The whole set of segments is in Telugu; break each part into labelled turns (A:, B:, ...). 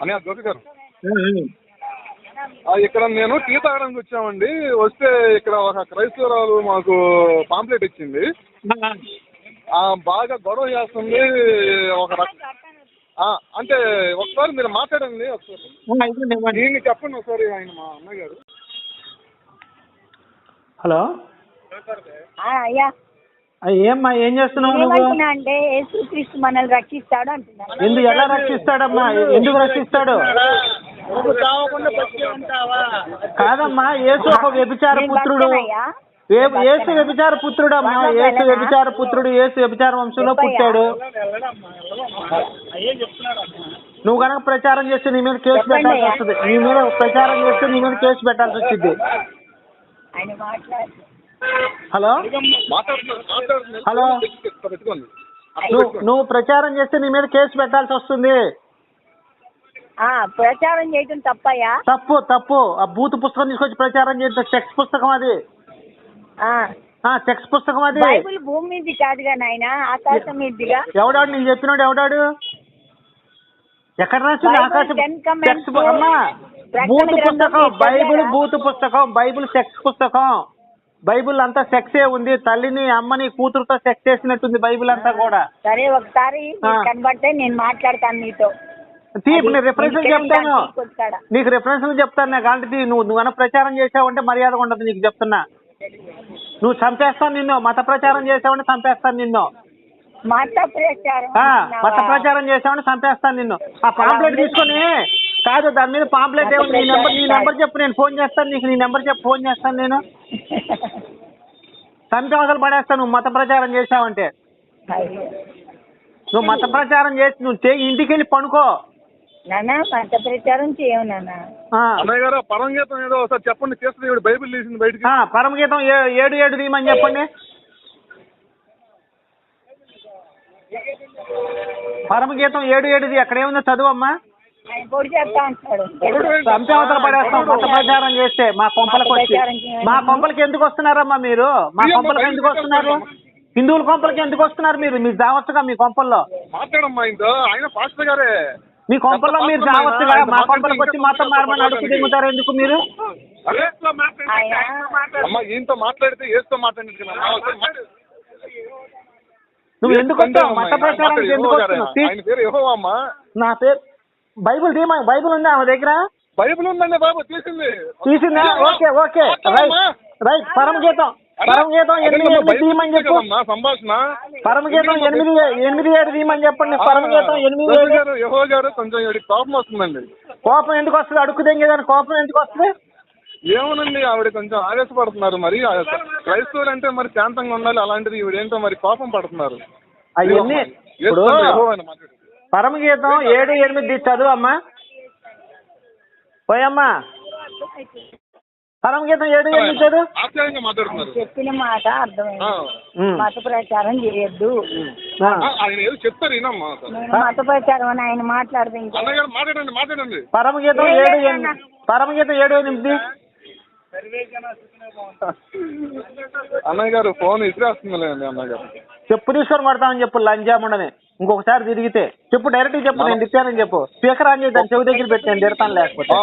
A: అని జ్యోతి గారు ఇక్కడ నేను టీ తాగడానికి వచ్చామండి. వస్తే ఇక్కడ ఒక క్రైస్తవురాలు మాకు పాంప్లెట్ ఇచ్చింది. బాగా గొడవ చేస్తుంది. అంటే ఒకసారి మీరు మాట్లాడండి. ఒకసారి నేను చెప్పండి ఒకసారి. ఆయన మా అన్నయ్య గారు.
B: హలో
C: అయ్యా,
B: ఏమ్మా ఏం చేస్తున్నావు నువ్వు?
C: అంటే యేసుక్రీస్తు మనల్ని రక్షిస్తాడు అంటున్నాను.
B: ఎలా రక్షిస్తాడమ్మా? ఎందుకు రక్షిస్తాడు? కాదమ్మా, యేసు ఒక వ్యభిచార పుత్రుడు. యేసు వ్యభిచార పుత్రుడు అమ్మా. యేసు వ్యభిచార పుత్రుడు. యేసు వ్యభిచార వంశంలో పుట్టాడు. నువ్వు కనుక ప్రచారం చేస్తే నీ మీద కేసు పెట్టాల్సి వస్తుంది. నీ మీద ప్రచారం చేస్తే నీ మీద కేసు పెట్టాల్సి వచ్చింది. హలో హలో, నువ్వు ప్రచారం చేస్తే నీ మీద కేసు పెట్టాల్సి వస్తుంది.
C: ప్రచారం చేయడం తప్పయ్యా?
B: తప్పు. ఆ బూత్ పుస్తకం తీసుకొచ్చి ప్రచారం చేస్తే సెక్స్ పుస్తకం అది. సెక్స్ పుస్తకం అది.
C: బైబిల్ భూమి మీద కాదుగా నాయన, ఆకాశం మీదిగా.
B: ఎవడాడు నీకు చెప్పినాడు? ఎవడాడు? ఎక్కడ రాసింది? ఆకాశం అమ్మా. బూత్ పుస్తకం బైబిల్. బూత్ పుస్తకం బైబిల్. సెక్స్ పుస్తకం. బైబిల్ అంతా సెక్సే ఉంది. తల్లిని అమ్మని కూతురుతో సెక్స్ చేసినట్టుంది బైబిల్ అంతా కూడా.
C: సరే, ఒకసారి కనబడితే నేను మాట్లాడతాను నీతో.
B: నేను రిఫరెన్స్ చెప్తాను నీకు. రిఫరెన్స్ చెప్తాను నాకు. అంటే నువ్వు కనుక ప్రచారం చేసావంటే మర్యాద ఉండదు నీకు చెప్తున్నా. నువ్వు చంపేస్తాను నిన్ను. మత ప్రచారం చేసావంటే చంపేస్తాను నిన్ను. మత ప్రచారం చేసావంటే చంపేస్తాను నిన్ను. ఆ పాంప్లెట్ తీసుకొని కాదు, దాని మీద పాంప్లెట్ ఏమి? నీ నెంబర్ చెప్పు, నేను ఫోన్ చేస్తాను నీకు. నీ నెంబర్ చెప్పు, ఫోన్ చేస్తాను నేను. చంపి అవసరం పడేస్తాను నువ్వు మత ప్రచారం చేసావంటే. నువ్వు మత ప్రచారం చేసి నువ్వు ఇంటికి వెళ్ళి పనుకో.
C: మత ప్రచారం చేయవు నాన్న.
A: పరమగీతం ఏదో ఒకసారి చెప్పండి. చేస్తుంది బైబిల్ తీసింది బయటికి.
B: పరమగీతం 7:7 తీయమని చెప్పండి. పరమగీతం 7:7 అక్కడ ఏముందో చదువమ్మా. చంపి అవతల పడేస్తాం మత ప్రచారం చేస్తే. మా కొంపలకి ఎందుకు వస్తున్నారమ్మా మీరు? మా కొంపలకి ఎందుకు వస్తున్నారు? హిందువుల కొంపలకి ఎందుకు వస్తున్నారు మీరు? మీరు జావచ్చుగా మీ కొంపల్లో. మీ కొంపల్లో మీరు జావచ్చుగా. మా కొంపలకు వచ్చి మాత్రం మారమని అడుగు దిగుతారు ఎందుకు మీరు? నువ్వు ఎందుకు వచ్చావు? మత ప్రచారానికి ఎందుకు వస్తున్నావు? నా పేరు బైబుల్ తీయమా? బైబుల్ ఉందా ఆమె దగ్గర?
A: బైబుల్ ఉందండి బాబు.
B: తీసిందా? Okay right. పరమగీతం 8:8 తీయమని చెప్పు.
A: సంభాషణ.
B: పరమగీతం 8:7 తీయమని చెప్పండి. పరమగీతం 8:7.
A: యెహోవా గారు కొంచెం కోపం వస్తుందండి.
B: కోపం ఎందుకు వస్తుంది? అడుగు దెంగేదాన్ని కోపం ఎందుకు వస్తుంది?
A: ఏమోనండి, ఆవిడ కొంచెం ఆవేశపడుతున్నారు. మరి క్రైస్తవులు అంటే మరి శాంతంగా ఉండాలి. అలాంటిది ఈవిడేంటో మరి కోపం పడుతున్నారు.
B: అవన్నీ ఇప్పుడు పరమగీతం 7:8 చదువు అమ్మా. పోయమ్మా. పరమగీతం 7:8 చదువు.
C: చెప్పిన మాట అర్థమైంది. మత ప్రచారం చేయొద్దు.
A: చెప్తారు
C: మత ప్రచారం అని ఆయన మాట్లాడదు.
A: మాట్లాడండి.
B: పరమగీతం 7:8.
A: అన్నయ్య గారు ఫోన్ ఇసిరేస్తుందిలేండి. అన్నయ్య గారు
B: చెప్పు తీసుకొని కొడతామని చెప్పు. లంజాముండని ఇంకొకసారి తిరిగితే చెప్పు. డైరెక్ట్ చెప్పు నేను తిట్టానని చెప్పు. స్పీకర్ ఆన్ చేద్దాం, చెవి దగ్గర పెట్టి నేను తిడతాను. లేకపోతే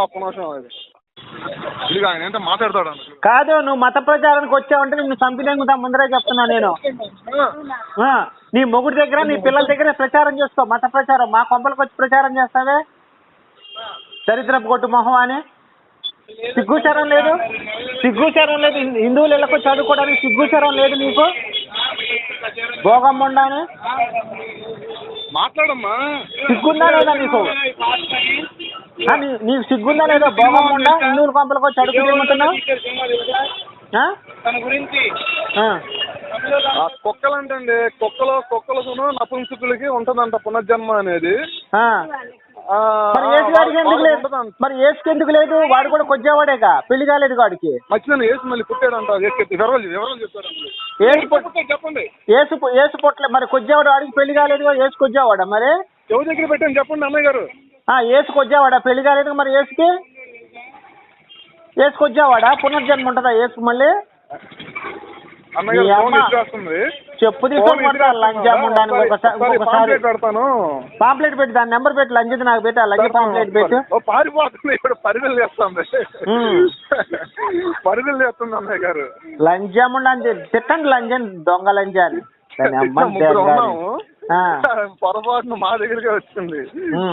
A: మాట్లాడతాడు
B: కాదు. నువ్వు మత ప్రచారానికి వచ్చావంటే నిన్ను చంపినంగుతా ముందరే చెప్తున్నా నేను. నీ మొగుడి దగ్గర నీ పిల్లల దగ్గర ప్రచారం చేసుకో. మత ప్రచారం మా కొంపలకు వచ్చి ప్రచారం చేస్తావే. చరిత్రపు కొట్టు మొహం అని. సిగ్గుచారం లేదు. హిందువులు ఇళ్ళకు చదువుకోవడానికి సిగ్గుచారం లేదు నీకు. భోగమ్మండా అని
A: మాట్లాడమ్మా.
B: సిగ్గుందా లేదా నీకు? నీకు సిగ్గుందా లేదా? భోగమ్మండా హిందువుల కొంపలకు వచ్చి అడుగు తిరుగుతున్నావు.
A: కుక్కలు అంటే కుక్కలకు నపుంసకులకి ఉంటదంట పునర్జన్మ అనేది.
B: మరి ఏసుకి ఎందుకు లేదు? వాడు కూడా కొద్దివాడేగా, పెళ్లి కాలేదు వాడికి.
A: మధ్యలో ఏసు మళ్ళీ పుట్టాడంట. చెప్పండి.
B: ఏసు పుట్టలే మరి కొద్దివాడు. వాడికి పెళ్లి కాలేదు. ఏసు కొద్దివాడా? మరి
A: ఎవరి దగ్గర పెట్టాను చెప్పండి అన్నయ్య గారు.
B: ఏసు కొద్దివాడా? పెళ్లి కాలేదు మరి ఏసుకి. ఏసు కొద్దివాడా? పునర్జన్మ ఉంటుందా ఏసుకు మళ్ళీ? చెప్పు తీసుకొని కొడతా లంజం ఉండడానికి ఒకసారి
A: పాంప్లెట్ పెడతాను.
B: పాంప్లెట్ పెట్టి దాని నెంబర్ పెట్టి లంజది నాకు పెట్టి ఆ లంజ పాంప్లెట్ పెట్టు.
A: పారిపోతుంది ఇప్పుడు పరిధులు చేస్తుంది పరిధులు చేస్తుంది అన్నయ్య గారు.
B: లంజం ఉండని తిట్టండి లంజం దొంగ లంజాన్ని.
A: ముగ్గురు ఉన్నాము పొరపాటున మా దగ్గరకే వచ్చింది.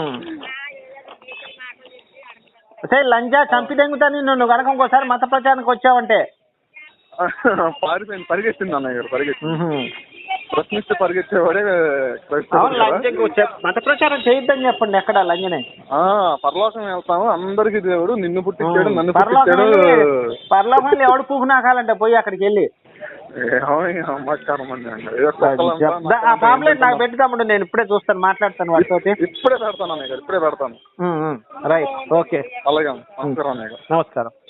B: సరే లంజా చంపి దెంగుతా నువ్వు కనుక ఇంకోసారి మత ప్రచారానికి వచ్చావంటే.
A: పారిపోయింది పరిగెత్తింది అన్నయ్య గారు పరిగెత్తింది. ప్రశ్నిస్తే పరిగెత్తేవాడే
B: మత ప్రచారం చేయొద్దని చెప్పండి ఎక్కడ లంజనే.
A: పరలోకం వెళ్తాము అందరికి దేవుడు నిన్ను పుట్టించాడు నన్ను పుట్టించాడు.
B: పరలోకంలో ఎవడు పూకు నాకాలంటే పోయి అక్కడికి వెళ్ళి ఆ పాంప్లెట్ నాకు పెట్టుతామండి. నేను ఇప్పుడే చూస్తాను మాట్లాడతాను వాటితో.
A: ఇప్పుడే పెడతాను అన్నయ్య గారు ఇప్పుడే పెడతాను.
B: రైట్ ఓకే
A: అలాగే నమస్కారం అన్నయ్య గారు.
B: నమస్కారం.